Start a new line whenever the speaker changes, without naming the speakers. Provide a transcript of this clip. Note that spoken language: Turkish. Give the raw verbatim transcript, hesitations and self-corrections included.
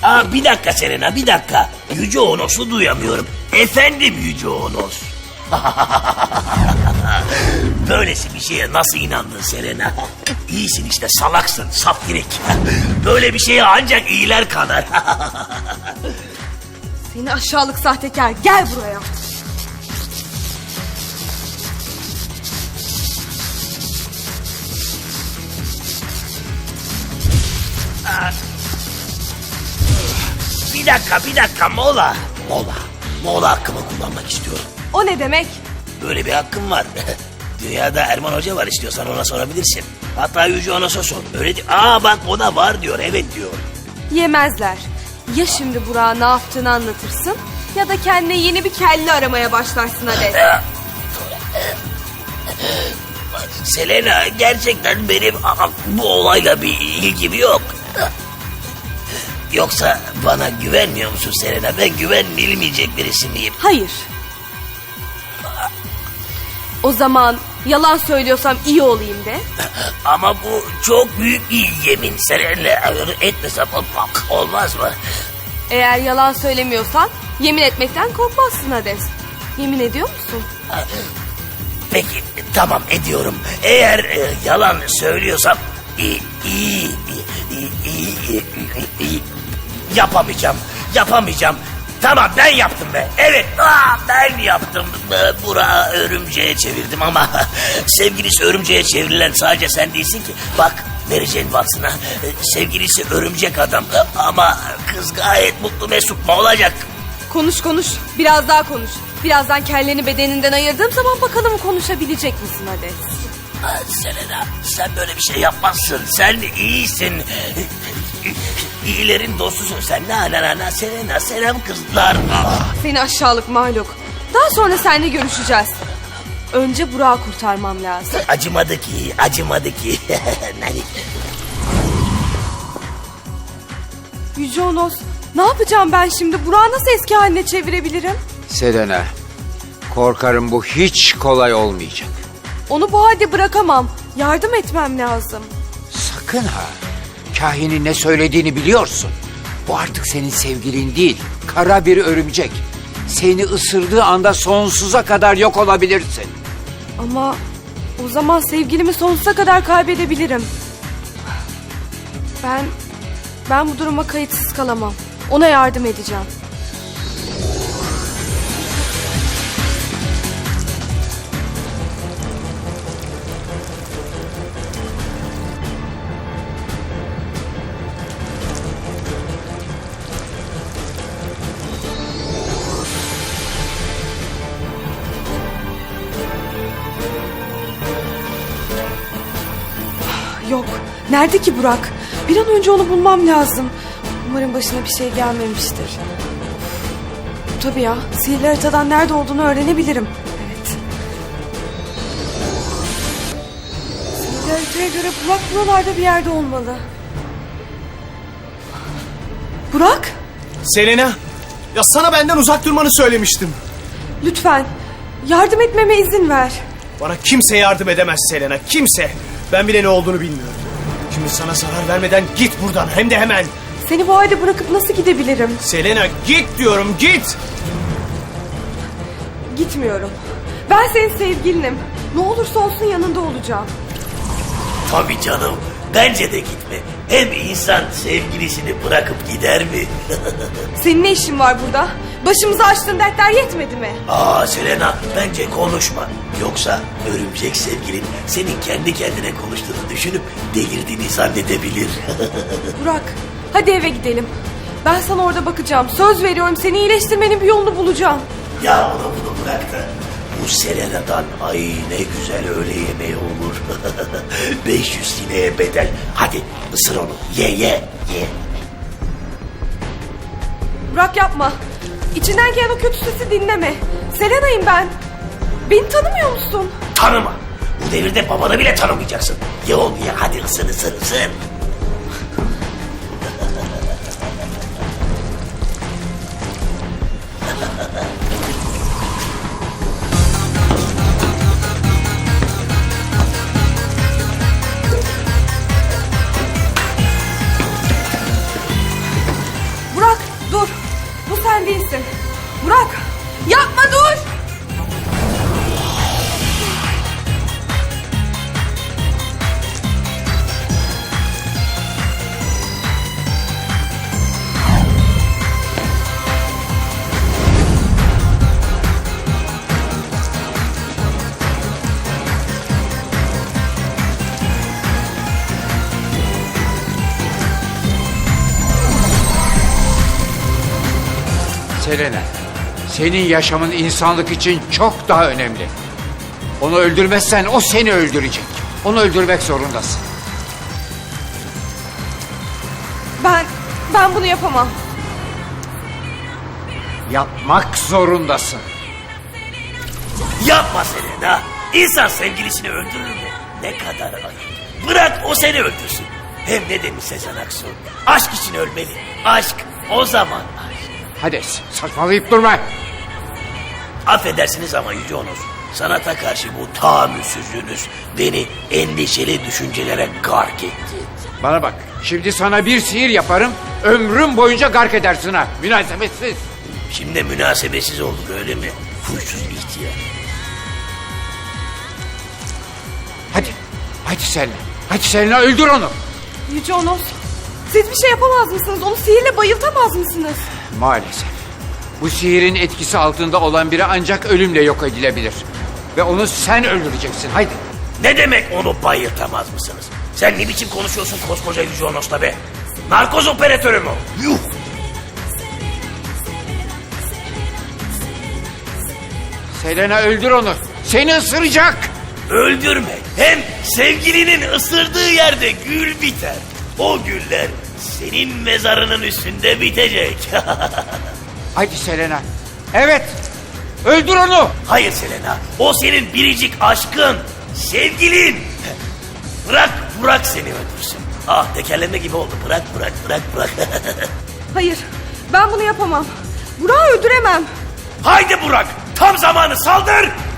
Aa, bir dakika Selena, bir dakika. Yüce Onos'u duyamıyorum. Efendim Yüce Onos. Böylesi bir şeye nasıl inandın Selena? İyisin işte, salaksın, saftirik. Böyle bir şeye ancak iyiler kadar.
Seni aşağılık sahtekar, gel buraya.
Bir dakika, bir dakika, mola. Mola, mola hakkımı kullanmak istiyorum.
O ne demek?
Böyle bir hakkım var. Dünyada Erman Hoca var, istiyorsan ona sorabilirsin. Hatta Yüce Onos'a sor. Öyle di- Aa bak, o da var diyor, evet diyor.
Yemezler. Ya şimdi Burak'a ne yaptığını anlatırsın ya da kendine yeni bir kelle aramaya başlarsın Hades.
Selena, gerçekten benim aa, bu olayla bir ilgim yok. Yoksa bana güvenmiyor musun Selena? Ben güvenilmeyecek birisi miyim?
Hayır. O zaman yalan söylüyorsam iyi olayım de.
Ama bu çok büyük bir yemin Selena. Etmesem olmaz mı?
Eğer yalan söylemiyorsan yemin etmekten korkmazsın Hades. Yemin ediyor musun?
Peki, tamam, ediyorum. Eğer e, yalan söylüyorsam iyi, iyi, iyi, iyi, iyi, iyi, yapamayacağım, yapamayacağım. Tamam, ben yaptım be. Evet, aa, ben yaptım. Burak'ı örümceğe çevirdim ama sevgilisi örümceğe çevrilen sadece sen değilsin ki. Bak, Mary Jane Watson'a sevgilisi örümcek adam ama kız gayet mutlu mesut mu olacak?
Konuş konuş, biraz daha konuş. Birazdan kelleni bedeninden ayırdığım zaman bakalım konuşabilecek misin Hades?
Aa, Selena, sen böyle bir şey yapmazsın. Sen iyisin. İyilerin dostusun sen. Na na na na Selena, selam kızlar. Ah.
Seni aşağılık mahluk. Daha sonra seninle görüşeceğiz. Önce Burak'ı kurtarmam lazım.
Acımadı ki, acımadı ki.
Yüce Onos, ne yapacağım ben şimdi? Burak'ı nasıl eski haline çevirebilirim?
Selena, korkarım bu hiç kolay olmayacak.
Onu bu halde bırakamam. Yardım etmem lazım.
Sakın ha. Kahinin ne söylediğini biliyorsun. Bu artık senin sevgilin değil, kara bir örümcek. Seni ısırdığı anda sonsuza kadar yok olabilirsin.
Ama o zaman sevgilimi sonsuza kadar kaybedebilirim. Ben, ben bu duruma kayıtsız kalamam. Ona yardım edeceğim. Yok. Nerede ki Burak? Bir an önce onu bulmam lazım. Umarım başına bir şey gelmemiştir. Tabii ya. Sihirli haritadan nerede olduğunu öğrenebilirim. Evet. Sihirli haritaya göre Burak buralarda bir yerde olmalı. Burak?
Selena, ya sana benden uzak durmanı söylemiştim.
Lütfen. Yardım etmeme izin ver.
Bana kimse yardım edemez Selena, kimse. Ben bile ne olduğunu bilmiyorum. Şimdi sana zarar vermeden git buradan, hem de hemen.
Seni bu halde bırakıp nasıl gidebilirim?
Selena, git diyorum, git.
Gitmiyorum. Ben senin sevgilinim. Ne olursa olsun yanında olacağım.
Tabii canım, bence de gitme. Hem insan sevgilisini bırakıp gider mi?
Senin ne işin var burada? Başımıza açtığın dertler yetmedi mi?
Aa Selena, bence konuşma. Yoksa örümcek sevgilin senin kendi kendine konuştuğunu düşünüp delirdiğini zannedebilir.
Burak, hadi eve gidelim. Ben sana orada bakacağım. Söz veriyorum, seni iyileştirmenin bir yolunu bulacağım.
Ya onu bunu bırak da bu Selena'dan ay ne güzel öğle yemeği olur. beş yüz sineye bedel. Hadi ısır onu, ye ye ye.
Burak yapma. İçinden gelen o kötü sesi dinleme. Selena'yım ben. Beni tanımıyor musun?
Tanıma. Bu devirde babanı bile tanımayacaksın. Ye onu ye, hadi ısır ısır ısır.
Selena, senin yaşamın insanlık için çok daha önemli. Onu öldürmezsen o seni öldürecek. Onu öldürmek zorundasın.
Ben, ben bunu yapamam.
Yapmak zorundasın.
Yapma Selena. İnsan sevgilisini öldürür mü? Ne kadar ayıp. Bırak o seni öldürsün. Hem ne demiş Sezen Aksu? Aşk için ölmeli. Aşk o zaman aşk.
Hades, saçmalayıp durma.
Affedersiniz ama Yüce Onur. Sanata karşı bu tahammülsüzlüğünüz beni endişeli düşüncelere gark etti.
Bana bak, şimdi sana bir sihir yaparım, ömrüm boyunca gark edersin ha. Münasebetsiz.
Şimdi münasebetsiz olduk öyle mi? Huysuz ihtiyar.
Hadi, hadi Selena. Hadi Selena, öldür onu.
Yüce Onos, siz bir şey yapamaz mısınız? Onu sihirle bayıltamaz mısınız?
Maalesef. Bu sihirin etkisi altında olan biri ancak ölümle yok edilebilir. Ve onu sen öldüreceksin, haydi.
Ne demek onu bayıltamaz mısınız? Sen ne biçim konuşuyorsun koskoca Yüce Onos'la be? Narkoz operatörü mü? Yuh!
Selena, öldür onu. Seni ısıracak.
Öldürme. Hem sevgilinin ısırdığı yerde gül biter. O güller senin mezarının üstünde bitecek.
Hadi Selena. Evet, öldür onu.
Hayır Selena. O senin biricik aşkın. Sevgilin. Bırak bırak seni öldürsün. Ah tekerleme gibi oldu. Bırak bırak bırak bırak.
Hayır, ben bunu yapamam. Burak'ı öldüremem.
Haydi Burak. Tam zamanı saldır.